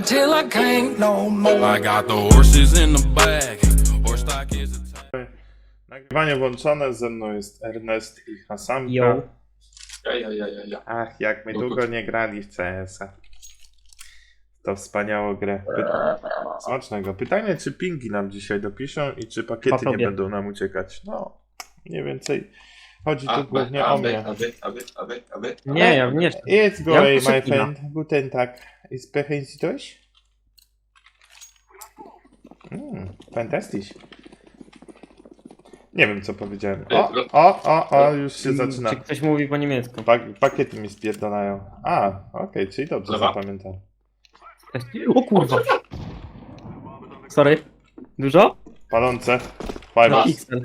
till I can't no more. I got the horses in the back. Horse stock is a Nagrywanie włączone, ze mną jest Ernest i Hasanka. Yo. Ja. Ach, jak my długo nie grali w CS-a. To wspaniałą grę. Smacznego. Pytanie, czy pingi nam dzisiaj dopiszą i czy pakiety nie będą nam uciekać. No, mniej więcej chodzi tu głównie o mnie. Aby. Nie, ja nie. It's go Ja away, muszę my kina. friend. Guten Tag. Sprechen Sie Deutsch? Fantastisch. Nie wiem, co powiedziałem. O, już się zaczyna. Czy ktoś mówi po niemiecku? Pakiety mi spierdalają. A, okej, czyli dobrze Dobra. zapamiętam. O kurwa. Sorry. Dużo? Palące. Five. No, XL.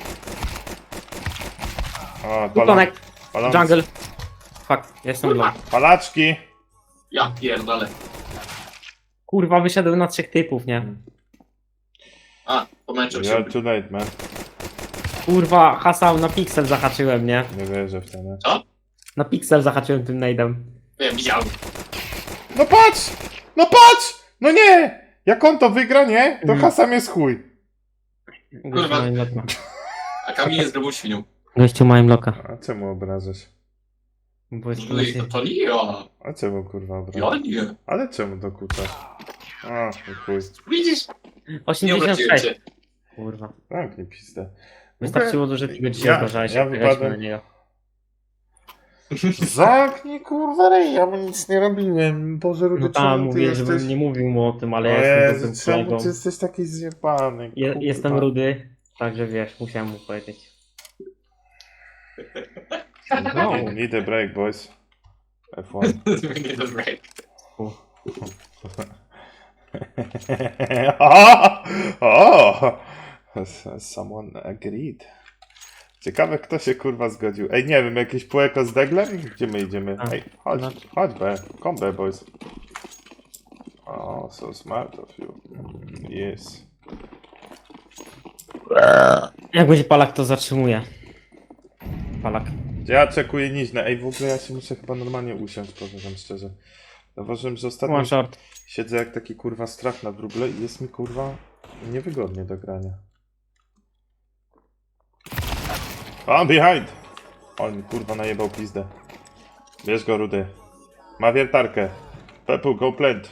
O, Connect. palące. Jungle. Fuck, jestem low. Palaczki. Ja pierdolę. Kurwa, wyszedłem na 3 typów, nie? A, pomęczył się. You're too late, man. Kurwa, hasał na piksel zahaczyłem, nie? Nie wierzę w to, nie? Co? Na piksel zahaczyłem tym nade'em. Wiem, widziałem. No patrz! No patrz! No nie! Jak on to wygra, nie? To Hasam jest chuj. Kurwa. A Kamil jest grubą świnią. Gościu mają loka. A czemu obrażasz? Bo jest No i to nie ja. A czemu kurwa Ja obrażasz? nie. Ale czemu dokuczasz? A, no chuj. Widzisz? Nie obraziłem 86. cię. Kurwa. Zamknij pizdę. Wystarczyło, że ty go dzisiaj Ja- obrażałeś. ja jak graliśmy wypadłem- na niego. Zamknij kurwa rej, ja mu nic nie robiłem. Boże, Rudy, No czemu tam ty mówię, jesteś... żebym nie mówił mu o tym, ale O ja jestem Jezu, dobrym czemu kolegą. ty jesteś taki zjebany? kurwa? Jestem rudy, także wiesz, musiałem mu powiedzieć. No. Need a break, boys. F1. Nie dobra. O! Someone agreed. Ciekawe, kto się kurwa zgodził. Ej, nie wiem, jakieś półeko z deglem? Gdzie my idziemy? A, Ej, chodź, no. chodź B. Come B, boys. Oh, so smart of you. Yes. Jak będzie palak, to zatrzymuje. Palak. Ja czekuję niźne. Ej, w ogóle ja się muszę chyba normalnie usiąść, powiem wam szczerze. Zauważyłem, że ostatnio One short. siedzę jak taki kurwa strach na wróble i jest mi kurwa niewygodnie do grania. A, behind! On mi kurwa najebał pizdę. Bierz go, Rudy. Ma wiertarkę. Pepu, go plant.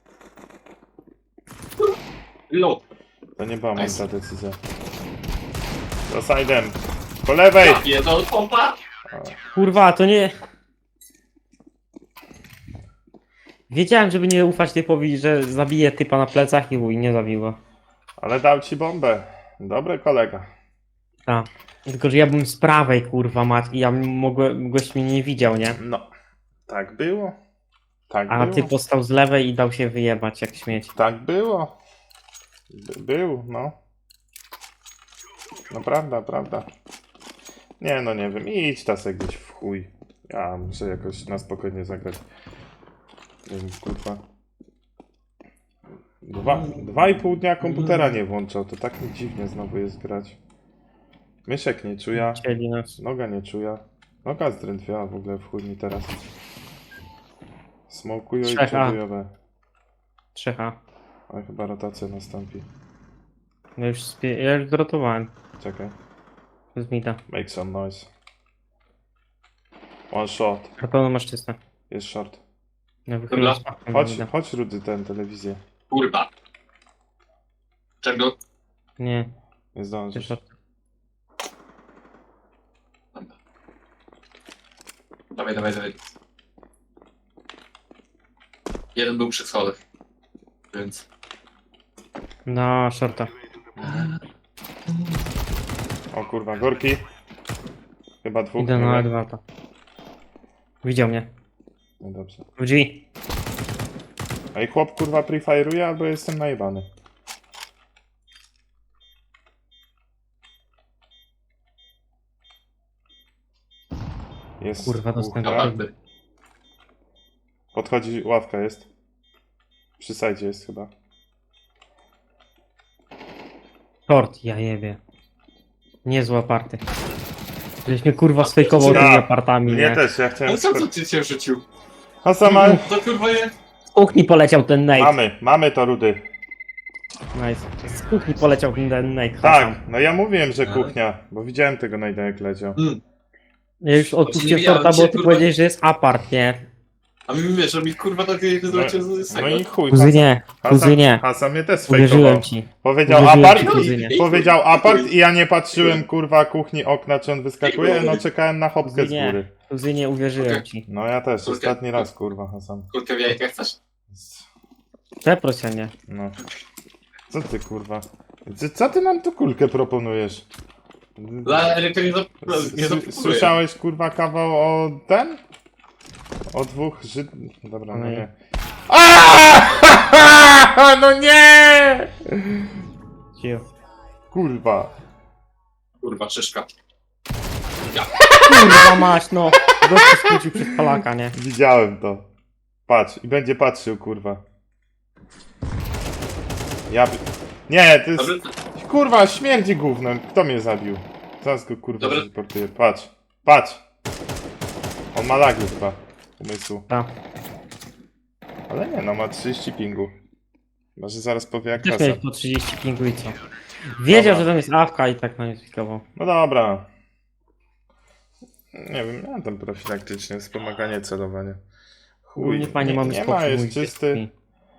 Low. To nie była Nice. mądra decyzja. Za side'em. Po lewej! Ja pierdol pompa. Kurwa, to nie... Wiedziałem, żeby nie ufać typowi, że zabije typa na plecach i nie zabił go. Ale dał ci bombę. Dobry kolega. Tak. Tylko, że ja byłem z prawej, kurwa, mać i ja mogłem, gość mnie nie widział, nie? No. Tak było. Tak A było. ty postał z lewej i dał się wyjebać jak śmieć. Tak było. Był, no. No prawda. Nie, no nie wiem. Idź tasek gdzieś w chuj. Ja muszę jakoś na spokojnie zagrać. Nie wiem, kurwa. 2,5 dnia komputera nie włączał. To tak mi dziwnie znowu jest grać. Myszek nie czuja. Chcieli nas. Noga nie czuja. Noga zdrętwiała w ogóle w chuj mi teraz. Smokują i Trzech A. przodujowe. 3H. Ale chyba rotacja nastąpi. Ja już drotowałem. Czekaj. Z mida. Make some noise. One shot. Na pewno masz czyste. Jest short. Ja wychylam Dobra. z Chodź, mida. chodź Rudy, ten telewizję. Kurwa. Czego? Nie, Nie ty zdążysz. short. Dawaj. Jeden był przy schodach. Więc... Na shorta. O kurwa, gorki. Chyba dwóch. Idę nie na wiem. Edwarda. Widział mnie. No dobrze. W drzwi. Ej, chłop kurwa prefire'uje albo jestem najebany. Jest. Kurwa, dwóch, dostęp. tak? Naprawdę. Podchodzi, ławka jest. Przy sajdzie jest chyba. Short, ja jebie. Niezły aparty. Żeś mnie kurwa sfejkował Ja. tymi apartami, Mnie nie? też, ja chciałem... Ale co ty cię rzucił? A sama... To kurwa jest... kuchni poleciał ten Nate. Mamy to, Rudy. Nice. Z kuchni poleciał ten Nate. Tak, no ja mówiłem, że kuchnia, bo widziałem tego Nate'a jak leciał. Ja już odpuściłem Czyli ja torta, bo dzisiaj, ty kurwa- powiedziałeś, że jest apart, nie? A mi wiesz, że mi kurwa takie zrobicie z No tego. i chuj, Kuzynie, kuzynie. Hasan mnie też Uwierzyłem sfejkował. ci. Powiedział Uwierzyłem apart, ci, kuzynie. powiedział apart i ja nie patrzyłem kurwa kuchni okna, czy on wyskakuje, no czekałem na hopkę z Kuzynie, góry. kuzynie, uwierzyłem ci. No ja też, Kulkę. ostatni raz kurwa Hasan. Kulkę w jajkach chcesz? Przeprosienie. No. Co ty kurwa? Co ty nam tu kulkę proponujesz? Dla Eryka nie Słyszałeś kurwa kawał o ten? O dwóch Żyd... Dobra, no No nie. No nie! Ciu. Kurwa. Kurwa, szyszka. Kurwa mać, no. Gościu skrócił przez Polaka, nie? Widziałem to. Patrz, i będzie patrzył, kurwa. Nie, to jest... Dobry, Kurwa, śmierdzi gównem. Kto mnie zabił? Zaraz go kurwa Dobra. zreportuję. Patrz, patrz. On ma lagi chyba. Umysłu. Tak. Ale nie, no ma 30 pingu. Może zaraz powie jak Też kasa. miałeś po 30 pingu i co? Wiedział, Dobra. że tam jest awka i tak na nie spikował. No dobra. Nie wiem, miałem tam profilaktycznie wspomaganie, celowanie. Chuj, Nie fajnie mamy nie spokój. ma, jest mój czysty. dziecki.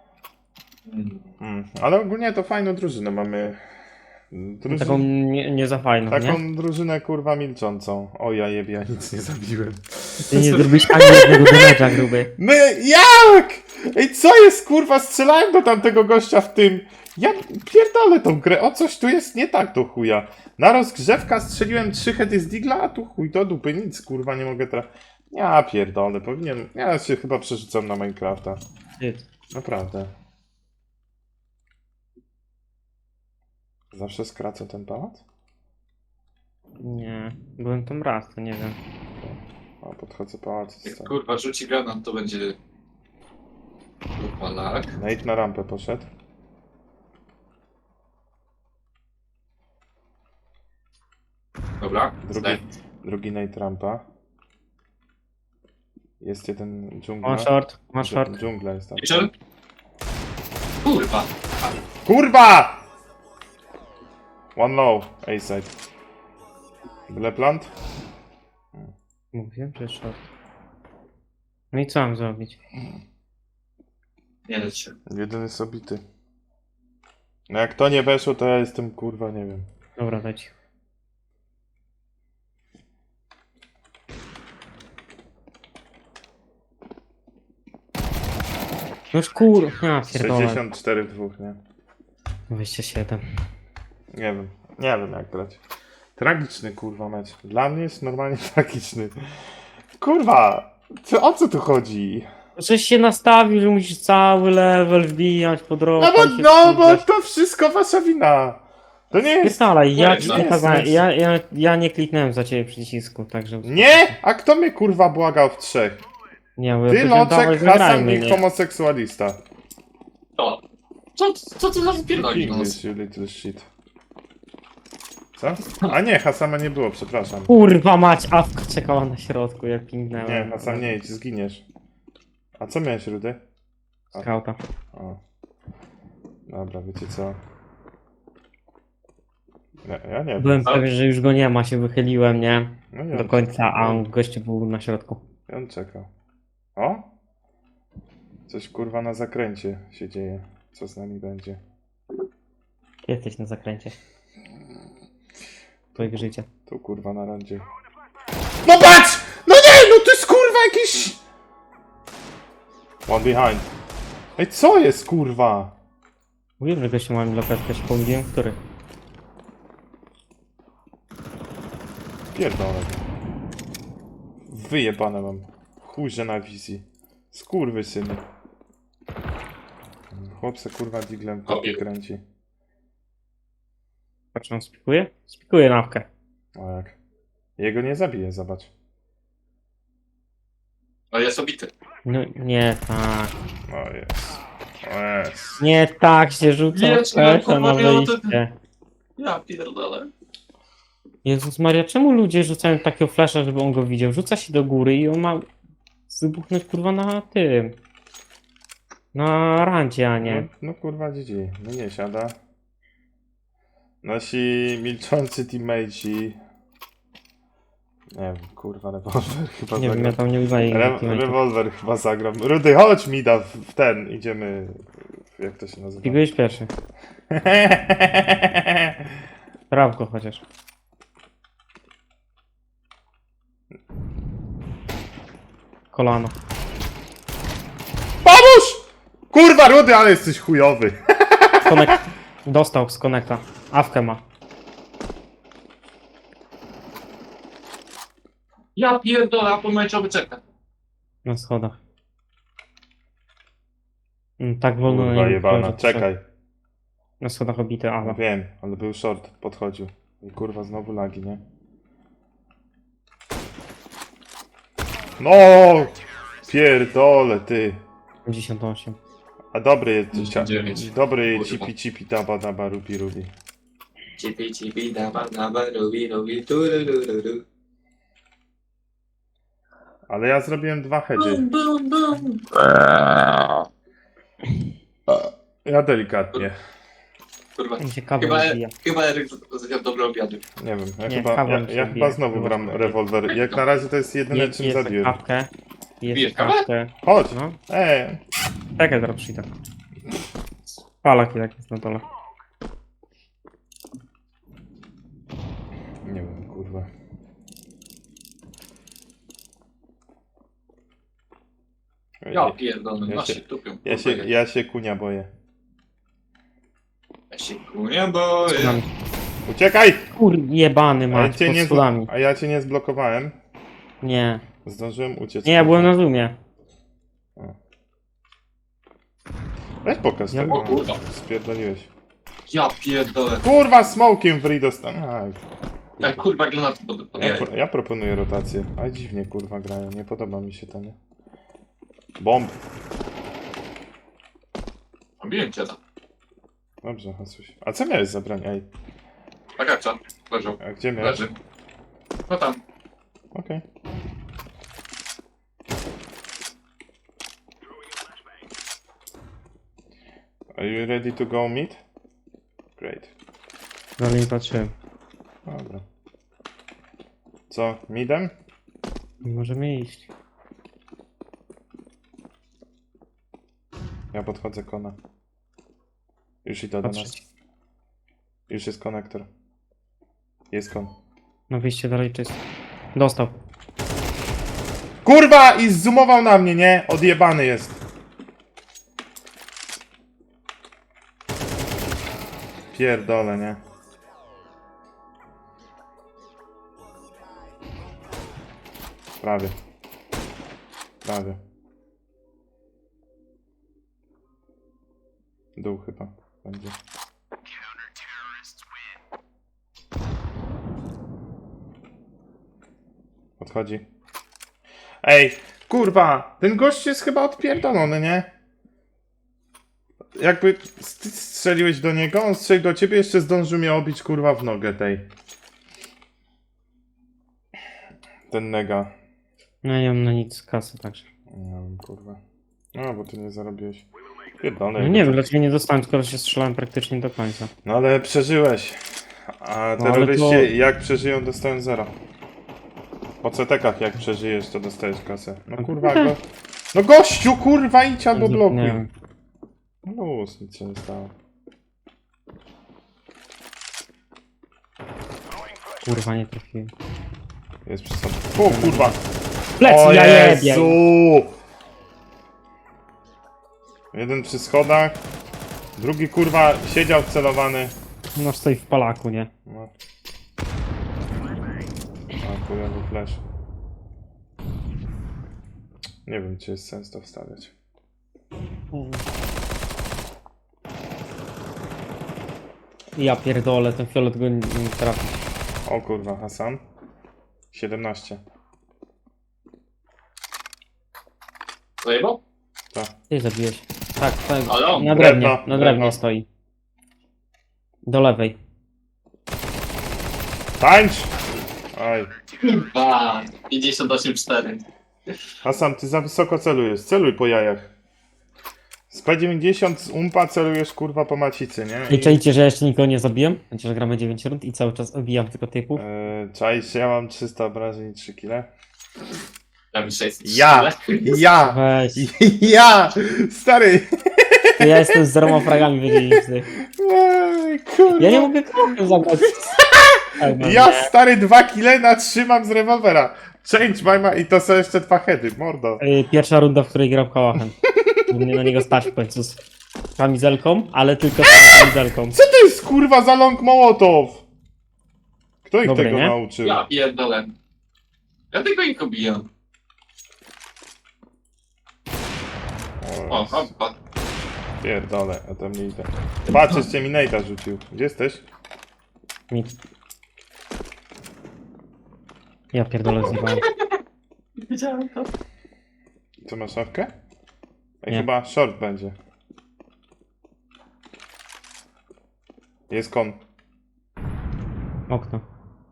Ale ogólnie to fajną drużynę mamy. Taką nie za fajną, Taką nie? drużynę kurwa milczącą. O ja jebie, ja nic nie zabiłem. Ty nie zrobisz ani jednego damage'a, gruby. My, jak? Ej, co jest kurwa? Strzelałem do tamtego gościa w tym. Ja pierdolę tą grę, o coś tu jest nie tak do chuja. Na rozgrzewka strzeliłem 3 heady z digla, a tu chuj do dupy, nic kurwa nie mogę trafić. Ja pierdolę, powinien, ja się chyba przerzucam na Minecrafta. Wstyd. Naprawdę. Zawsze skracę ten pałac? Nie, byłem tam raz, to nie wiem. O, podchodzę pałac. Jak kurwa rzuci granat, to będzie... Kurwa, lak. Nate na rampę poszedł. Dobra, zdaj. Drugi Nate rampa. Jest jeden dżungla. One short. Dżungla jest tam. Jeszcze? Kurwa. Kurwa! One low, A-side. Byle plant? Mówiłem, że short. No i co mam zrobić? Nie leć się. Jeden jest obity. No jak to nie weszło, to ja jestem kurwa, nie wiem. Dobra, dać. Już kurwa, pierdolę. 64 w dwóch, nie? 27. Nie wiem jak grać. Tragiczny kurwa mecz. Dla mnie jest normalnie tragiczny. Kurwa! O co tu chodzi? Żeś się nastawił, że musisz cały level wbijać po drodze. No bo to wszystko wasza wina. To nie jest... Pierdolaj, ja Nie, ci no, nie kazałem, jest. ja nie kliknąłem za ciebie przycisku, także... Nie! A kto mnie kurwa błagał w trzech? Nie, bo ja Ty, powiedziałem, dawaj, Loczek, Hasan zagrajmy, i nie? homoseksualista. To. Co ty za pierdoli nos? English, you little shit. Co? A nie, Hasama nie było, przepraszam. Kurwa mać, awka czekała na środku, jak pingnęła. Nie, Hasan nie idź, zginiesz. A co miałeś, Rudy? Skauta. O. Dobra, wiecie co? Ja nie wiem. Byłem pewien, że już go nie ma, się wychyliłem, nie? No i Do końca, a on gościu był na środku. I on czekał. O? Coś kurwa na zakręcie się dzieje. Co z nami będzie? Jesteś na zakręcie. Twojego życia. Tu kurwa na rondzie. No patrz! No nie! No to jest kurwa jakiś... One behind. Ej, co jest kurwa? Mówiłem, że gościu ma mi lokatkę, się pomyliłem, który? Pierdolę. Wyjebane mam. Chujże na wizji. Skurwysyny. Chłop se kurwa diglem w kopie kręci. Patrz, on spikuje? Spikuje nawkę. O jak. Jego nie zabije, zobacz. Ale jest obity. No nie tak. O jest. O jest. Nie tak się rzuca Wiesz, pesza na kurwa, miało to- wyjście. Ja pierdolę. Jezus Maria, czemu ludzie rzucają takiego flasha, żeby on go widział? Rzuca się do góry i on ma wybuchnąć kurwa na tym. Na rancie, a No, nie. no kurwa GG. No nie siada. Nasi milczący teammateci. Nie wiem, kurwa, rewolwer chyba Nie wiem, ja zagram. tam nie uznaję teammate'ów. Rewolwer chyba zagram. Rudy, chodź mi da w ten. Idziemy. Jak to się nazywa? I byłeś pierwszy. Prawko chociaż. Kolano. Pomóż! Kurwa, Rudy, ale jesteś chujowy. Dostał z konekta. Awkę ma. Ja pierdolę, a pomarańczowy czeka. Na schodach. Tak wolno Kurwa nie jebana, wchodzi. czekaj. Na schodach obity, ale. Wiem, ale był short, podchodził. I kurwa, znowu lagi, nie? No! Pierdole, ty. 58. A dobry Dziewięć. dobry Kurwa. cipi daba daba rubi rubi. Cipi, daba, robi, turururu. Ale ja zrobiłem 2 heady. Bum, bum. Ja delikatnie. Kurwa. Mi się kawa Chyba, rozbija. chyba Eryk zjadł dobre obiady. Nie wiem, Nie, kawa mi się ja bije. chyba znowu gram rewolwer. Jak na razie to jest jedyne czym Jest zabiłem. kawkę. Bijesz Jest kawę? kawkę. Chodź! No. Ej! Zaraz przyjdę. Palak jak jest na dole. Nie wiem, kurwa. Ja pierdolę, Ja ja się- się tupią. Ja się kunia boję. Ja się kunia boję. Schodami. Uciekaj! Kur jebany A ja mać, cię pod nie, schodami. a ja cię nie zblokowałem. Nie. Zdążyłem uciec. Nie, ja byłem na zoomie. Weź pokaż Ja- tego. O kurwa. Spierdoliłeś. Ja pierdolę. Kurwa, smokiem w Ri dostałem. Jak kurwa granaty Ja proponuję rotację. A dziwnie kurwa grają, nie podoba mi się to, nie? Bomb. Biłem cię tam. Dobrze, Hasuś. A co miałeś za broń? Ej, Tak jak co? Leżał. a gdzie miałeś? Leży. No tam. Okej. Are you ready to go meet? Great. Dalej nie patrzyłem. Dobra. Co, midem? Możemy iść. Ja podchodzę kona. Już idę do nas. Patrzeć. Już jest konektor. Jest kon. No wyjście dalej czysto. Dostał. Kurwa! I zoomował na mnie, nie? Odjebany jest. Pierdolę, nie? Prawie. Prawie. Dół chyba będzie. Odchodzi. Ej, kurwa, ten gość jest chyba odpierdolony, nie? Jakby ty strzeliłeś do niego, on strzelił do ciebie, jeszcze zdążył mnie obić, kurwa, w nogę tej. Ten nega. No ja nie mam na nic kasy także. Nie wiem, kurwa. No, bo ty nie zarobiłeś. Pierdolę. No nie wiem dlaczego nie dostałem, skoro się strzelałem praktycznie do końca. No ale przeżyłeś. A No, ale terroryści to- jak przeżyją, dostają 0. Po CT-kach jak przeżyjesz, to dostajesz kasę. No kurwa, go... No gościu, kurwa, idź albo blokuj. Nie wiem. No luz, nic się nie stało. Kurwa nie trafiłem. Jest przy sobie. O kurwa! Plec, O ja jebie! Jezu! Jeden przy schodach. Drugi kurwa siedział wcelowany. No stoi w palaku, nie? No. A chujowy flash. Nie wiem, czy jest sens to wstawiać. Ja pierdolę, ten fiolet go nie trafi. O kurwa, Hasan. 17. Zajebał? Tak. Ty zabiłeś. Tak, tak. Ale on, Na drewnie, drewno, na drewno. drewnie stoi. Do lewej. Tańcz! Aj. Kurwa. 58-4. Hasan, ty za wysoko celujesz. Celuj po jajach. P90 z umpa celujesz kurwa po macicy, nie? I czajcie, że jeszcze nikogo nie zabiłem? Chociaż gramy 9 rund i cały czas obijam tylko typów. Czaisz, ja mam 300 obrażeń i 3 kile. Ja bym 600. Ja! Weź. Ja! Stary! To ja jestem z 0 fragami wiedzielicy. Kurwa. Ja nie mogę krokiem zagrać. Ja stary 2 kile natrzymam z rewolwera. Change my mind i to są jeszcze 2 heady, mordo. Pierwsza runda, w której grał Kałachem. Mnie na niego stać w końcu z kamizelką, ale tylko z kamizelką. Co to jest kurwa za long mołotow? Kto ich Dobre, tego nie? nauczył? Ja pierdolę. Ja tylko ich obijam. O, hoppa. Pierdolę, ja tam nie idę. Patrz, jeszcze mi Nate'a rzucił. Gdzie jesteś? Mit. Ja pierdolę zjebałem. Widziałem to. Co masz szafkę? Ej, Nie. chyba short będzie. Jest kon. Okno.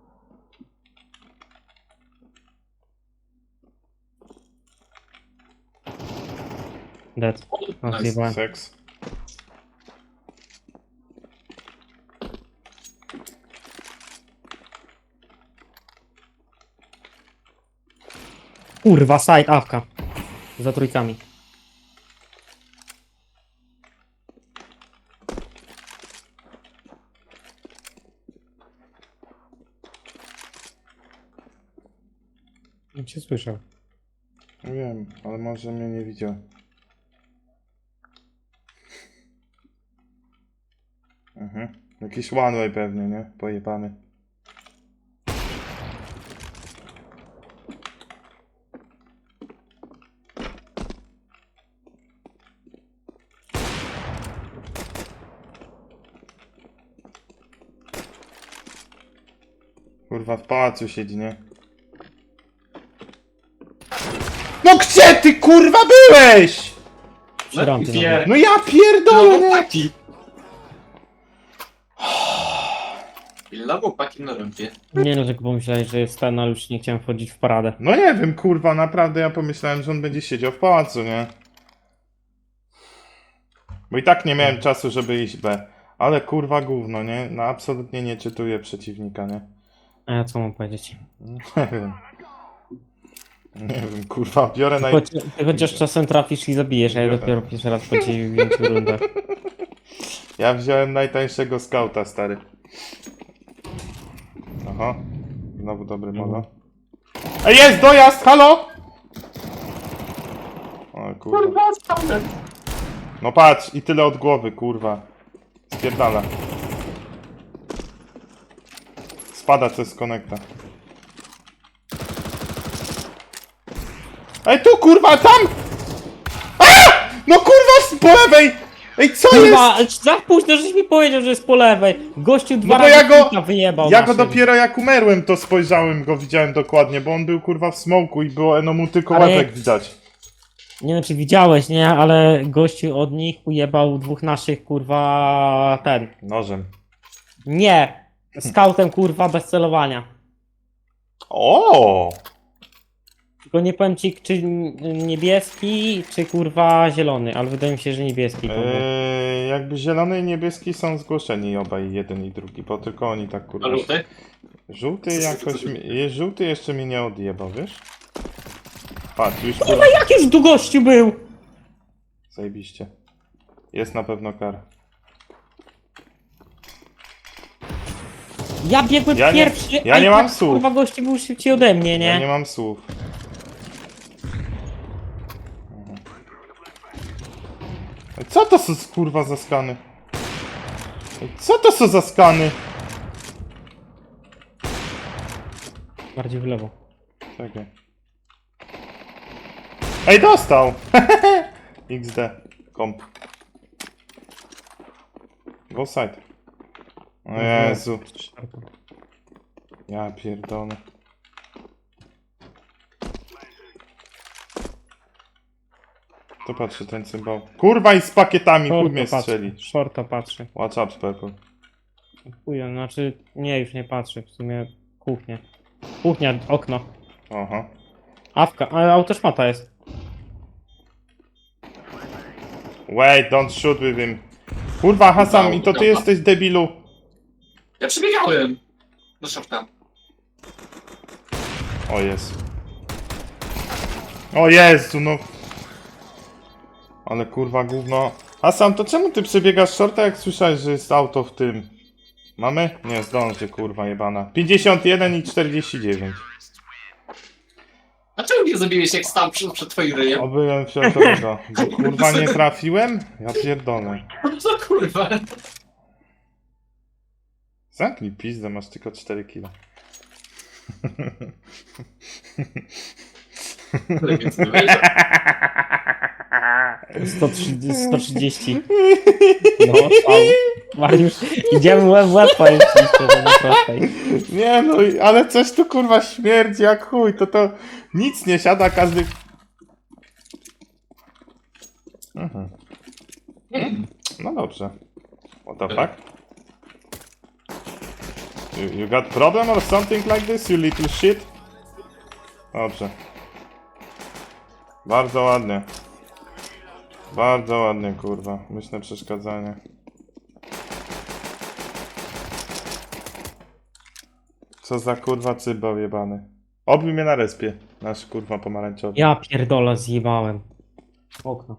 Dead. No, Nice. zjebałem. Seks. Kurwa, side awka. Za trójkami. Nie cię słyszał. Nie wiem, ale może mnie nie widział. Jakiś one way pewnie, nie? Pojebany. Kurwa, w pałacu siedzi, nie? No gdzie ty kurwa byłeś? Przy rampie nawet. No ja pierdolę, nie? Chłopaki. Pilna chłopaki na rampie. Nie no, tylko pomyślałeś, że jest ten, ale już nie chciałem wchodzić w paradę. No nie wiem, kurwa, naprawdę ja pomyślałem, że on będzie siedział w pałacu, nie? Bo i tak nie miałem czasu, żeby iść B. Ale kurwa gówno, nie? No absolutnie nie czytuję przeciwnika, nie? A ja co mam powiedzieć? Nie wiem. Nie wiem, kurwa, biorę naj... Ty chociaż czasem trafisz i zabijesz, a ja dopiero pierwszy raz po 9 rundach. Ja wziąłem najtańszego skauta, stary. Aha. Znowu dobry mono. Ej, jest dojazd, halo! O kurwa. Kurwa, spawnem. No patrz, i tyle od głowy, kurwa. Spierdala. Spada coś z konekta. Ej, tu kurwa, tam! A! No kurwa, po lewej! Ej, co Kurwa, jest? za późno, żeś mi powiedział, że jest po lewej. Gościu dwa No bo razy ja go- pika wyjebał. Ja go naszym. dopiero jak umerłem, to spojrzałem, go widziałem dokładnie, bo on był kurwa w smoku i było mu tylko Ale- łebek widać. Nie wiem, czy widziałeś, nie? Ale gościu od nich ujebał dwóch naszych, kurwa, ten. Nożem. Nie! Scoutem, kurwa, bez celowania. O! Tylko nie powiem ci, czy niebieski, czy kurwa zielony, ale wydaje mi się, że niebieski. kurwa. Jakby zielony i niebieski są zgłoszeni obaj, jeden i drugi, bo tylko oni tak A kurwa... luty? Żółty jakoś... Żółty jeszcze mnie nie odjebał, wiesz? Patrz, już kurwa... Kurwa, jak już tu gościu był? Zajebiście. Jest na pewno kara. Ja biegłem Ja nie- pierwszy, ja a nie i mam tak, słów. kurwa, gościu był szybciej ode mnie, nie? Ja nie mam słów. Ej, co to są kurwa za skany? Ej, co to są za skany? Bardziej w lewo. Czekaj. Ej, dostał! XD. Komp. Go side. O Jezu. Ja pierdolę. To patrzy ten cymbał. Kurwa i z pakietami, chuj mnie strzeli. Shorta patrzy. Watch up, Purple. Chuja, znaczy, nie, już nie patrzy, w sumie kuchnia. Kuchnia, okno. Aha. Awka, ale autoszmata jest. Wait, don't shoot with him. Kurwa, Hasan, i to ty jesteś debilu. Ja przebiegałem do środka. O jest. O Jezu, no. Ale kurwa gówno. Hasan, to czemu ty przebiegasz shorta, jak słyszałeś, że jest auto w tym? Mamy? Nie, zdąży, kurwa jebana. 51 i 49. A czemu nie zabiłeś jak stał przed twoim ryjem? Obyłem fioletowego. Bo kurwa nie trafiłem? Ja pierdolę. Co kurwa? Zamknij pizdę, masz tylko 4 kilo. Więc nie wejdzie. 130. No, Mariusz, idziemy łeb w łeb, powiem ci szczerze, na prostej. Nie no, ale coś tu kurwa śmierdzi jak chuj, to nic nie siada, każdy... Mhm. No dobrze. What the fuck? You got problem or something like this, you little shit? Dobrze. Bardzo ładnie. Bardzo ładnie, kurwa. Myślę przeszkadzanie. Co za kurwa cybał jebany. Obił mnie na respie. Nasz kurwa pomarańczowy. Ja pierdolę, zjebałem. Okno.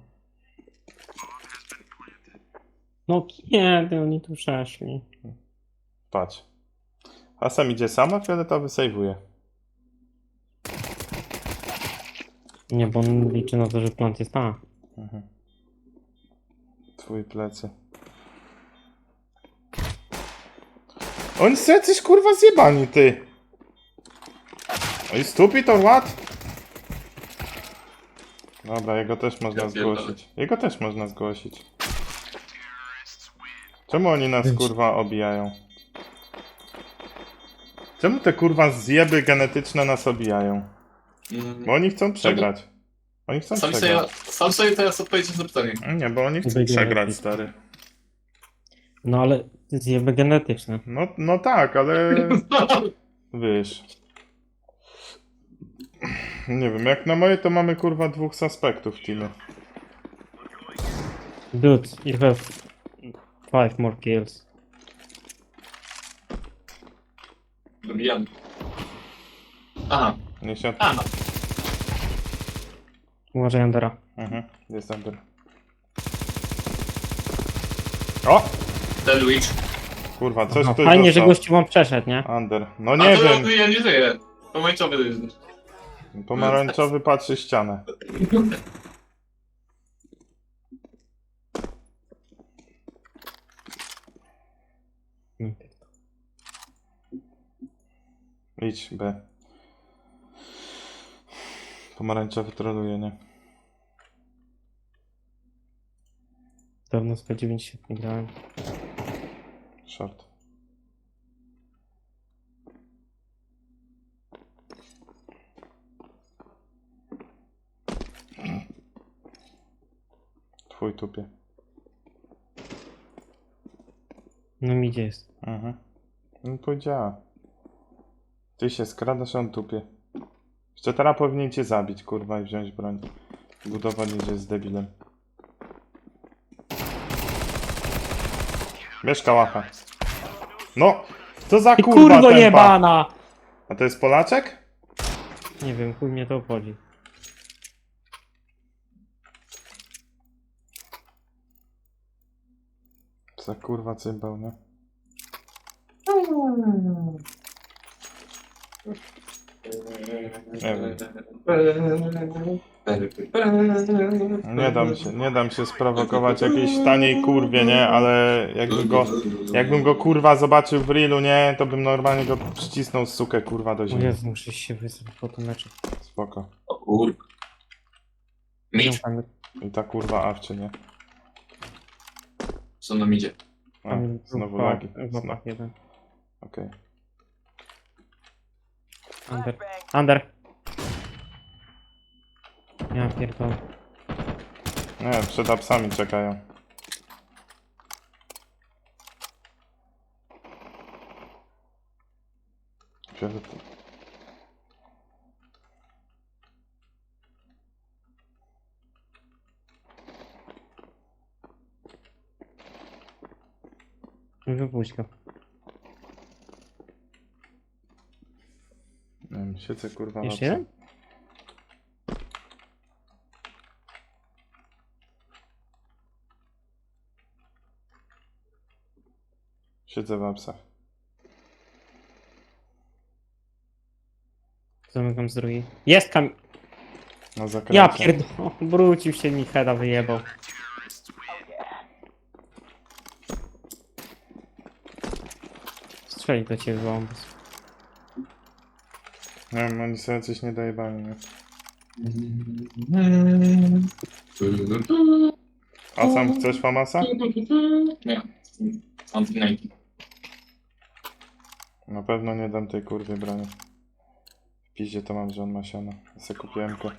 No kiedy oni tu przeszli? Patrz. A sam idzie sama, fioletowy sejwuje. Nie, bo on liczy na to, że plant jest tam. Mhm. Twój plecy. Oni są jacyś kurwa zjebani, ty. Oj, stupid or what? Dobra, jego też można Ja pierdolę. zgłosić. Jego też można zgłosić. Czemu oni nas kurwa obijają? Czemu te kurwa zjeby genetyczne nas obijają? Bo oni chcą przegrać. Oni chcą przegrać. Sam sobie teraz odpowiedzieć na pytanie. Nie, bo oni chcą Będzie przegrać, lepiej. stary. No ale zjeby genetyczne. No tak, ale wiesz. Nie wiem, jak na moje to mamy kurwa 2 suspektów w teamie. Dude, you have 5 more kills. Dobijam. Aha. Nie się... Aha. Uważaj, Andera. Mhm, jest Under. O! Ten Witch. Kurwa, coś Aha, tu fajnie, że dostał. gościu wam przeszedł, nie? Under. No A nie to wiem. ja nie żyję. Pomarańczowy jest. Pomarańczowy patrzy ścianę. Idź, B. Pomarańczowy troluje, nie? Dawno z P90 nie grałem. Short. Twój tupie. No mi gdzie jest? Mhm. No powiedziała. Ty się skradasz, a on tupie. Jeszcze teraz powinien cię zabić, kurwa, i wziąć broń. Budowa idzie z debilem. Bierz kałacha. No! Co za Ty kurwa kurwo tempa? jebana! A to jest Polaczek? Nie wiem, chuj mnie to obchodzi. Co za kurwa cymbał, nie? Nie wiem. Nie dam się sprowokować jakiejś taniej kurwie, nie? Ale jakbym go kurwa zobaczył w reelu, nie? To bym normalnie go przycisnął sukę kurwa do O ziemi. Jezu, muszę się wysłać po tym meczu. Spoko. O kurwa. Mitch. I ta kurwa awczy, nie? Co nam idzie? A, znowu lagi. Znowu jeden. Okej. Under. Ja pierdolę. Nie, przed apsami czekają. Fiolet- Wypuść go. Nie wiem, siedzę kurwa Jeszcze na jeden? Siedzę w apsach. Zamykam z drugiej. Jest kam... Na zakręcie. Ja pierdolę. Wrócił się mi heada wyjebał. Strzeli do ciebie bombus. Nie wiem, oni sobie coś nie dojebali, nie? A sam chcesz Famasa? Nie. Mam pinajki. Na pewno nie dam tej kurwie broni. W piździe to mam, że on ma siano. Ja se kupiłem go.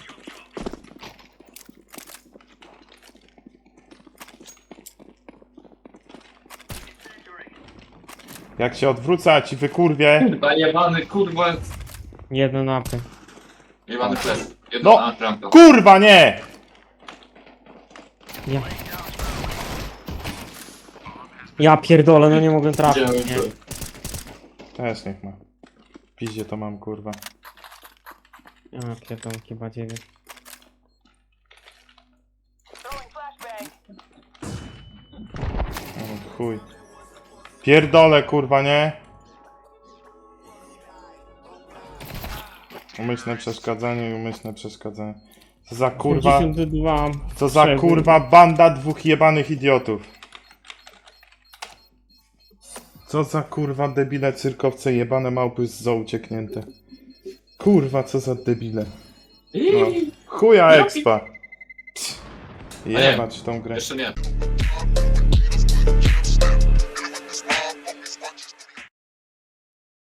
Jak się odwrócać i wykurwie. Kurwa, jebany, kurwa. Jedno napy. Jebany flash. Jedno No. na trampę. Kurwa nie! Ja... Ja pierdolę, no nie mogę trafić, Widziałem nie. to. Też niech ma. W piździe to mam kurwa. Ja pierdolę, chyba 9. O, chuj. Pierdolę kurwa, nie? Umyślne przeszkadzanie i umyślne przeszkadzanie. Co za kurwa... 52. Co za kurwa banda dwóch jebanych idiotów. Co za kurwa debile cyrkowce jebane małpy z zoo ucieknięte. Kurwa co za debile. No. Chuja expa. Jebać tą grę. Jeszcze nie.